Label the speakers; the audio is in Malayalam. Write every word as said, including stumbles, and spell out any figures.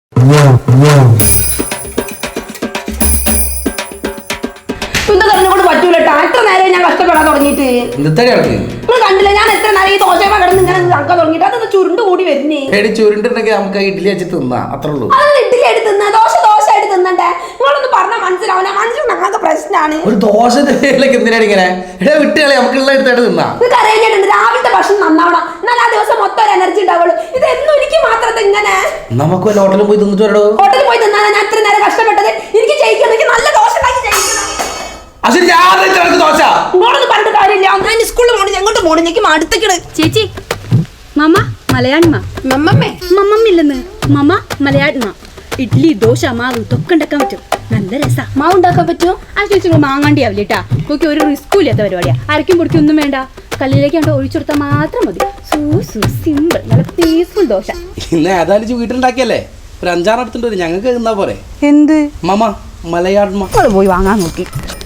Speaker 1: പറ്റൂല എത്ര നേരം ഞാൻ കഷ്ടപ്പെടാൻ തുടങ്ങിയിട്ട് കണ്ടില്ല ഞാൻ എത്ര നേരം ഈ ദോശ കിടന്ന് ഇങ്ങനെ നടക്കാൻ തുടങ്ങിയിട്ട് അതൊന്ന് ചുരുണ്ട് കൂടി വരുന്നേ.
Speaker 2: ചുരുണ്ടുണ്ടെങ്കിൽ നമുക്ക് ഇഡ്ഡലി വെച്ച് തിന്നാ അത്രേ ഉള്ളൂ.
Speaker 1: അത് ഇഡ്ഡലി ആയിട്ട് തിന്നാ ദോശ ദോശ ആയിട്ട് തിന്നണ്ടേ? നിങ്ങളൊന്ന് പറഞ്ഞാൽ മനസ്സിലാവില്ല. മനസ്സിലാകാത്ത പ്രശ്നമാണ്.
Speaker 2: ഒരു ദോശ എന്തിനാണ് ഇങ്ങനെ വിട്ടുകളെ നമുക്കുള്ള എടുത്തായിട്ട് തിന്നാ.
Speaker 1: നിങ്ങൾക്ക് അറിയാഞ്ഞിട്ടുണ്ട് രാവിലത്തെ ഭക്ഷണം നന്നാവണം, എന്നാൽ ആ ദിവസം മൊത്തം ഒരു എനർജി ഉണ്ടാവുള്ളൂ. ഇത് എന്നും എനിക്ക് മാത്രം ഇങ്ങനെ.
Speaker 2: നമുക്ക് വല്ല ഹോട്ടലിൽ പോയി തിന്നിട്ട് വരടോ.
Speaker 1: ഹോട്ടലിൽ പോയി തിന്നാണ് ഞാൻ ഇത്ര നേരം കഷ്ടപ്പെട്ടത്. എനിക്ക് ജയിക്കണം, എനിക്ക് നല്ല ദോശ ഉണ്ടാക്കി ജയിക്കണം.
Speaker 3: ചേച്ചി മമ്മ മലയാളിമ മമ്മമ്മില്ലെന്ന് മമ്മ മലയാളിമ ഇഡ്ലി ദോശ മാവ് ഇതൊക്കെ ഉണ്ടാക്കാൻ പറ്റും. നല്ല രസാ.
Speaker 1: മാവ് ഉണ്ടാക്കാൻ പറ്റുമോ?
Speaker 3: ആ ചേച്ചി മാങ്ങാണ്ടി ആവില്ലേട്ടാ. നോക്കി ഒരു റിസ്കും ഇല്ലാത്ത പരിപാടിയാ. അരക്കും പൊടിക്കും ഒന്നും വേണ്ട. കല്ലിലേക്ക് കണ്ട് ഒഴിച്ചു കൊടുത്താൽ മാത്രം മതി. സൂ സൂ സിമ്പിൾ, നല്ല പീസ്ഫുൾ ദോശ.
Speaker 2: ഇന്ന് ഏതായാലും വീട്ടിലുണ്ടാക്കിയല്ലേ, ഒരു അഞ്ചാറെടുത്തിട്ട് ഞങ്ങൾക്ക് തിന്നാ പോരെ.
Speaker 3: എന്ത്
Speaker 2: മമ്മ മലയാളിമ
Speaker 3: പോയി വാങ്ങാൻ നോക്കി.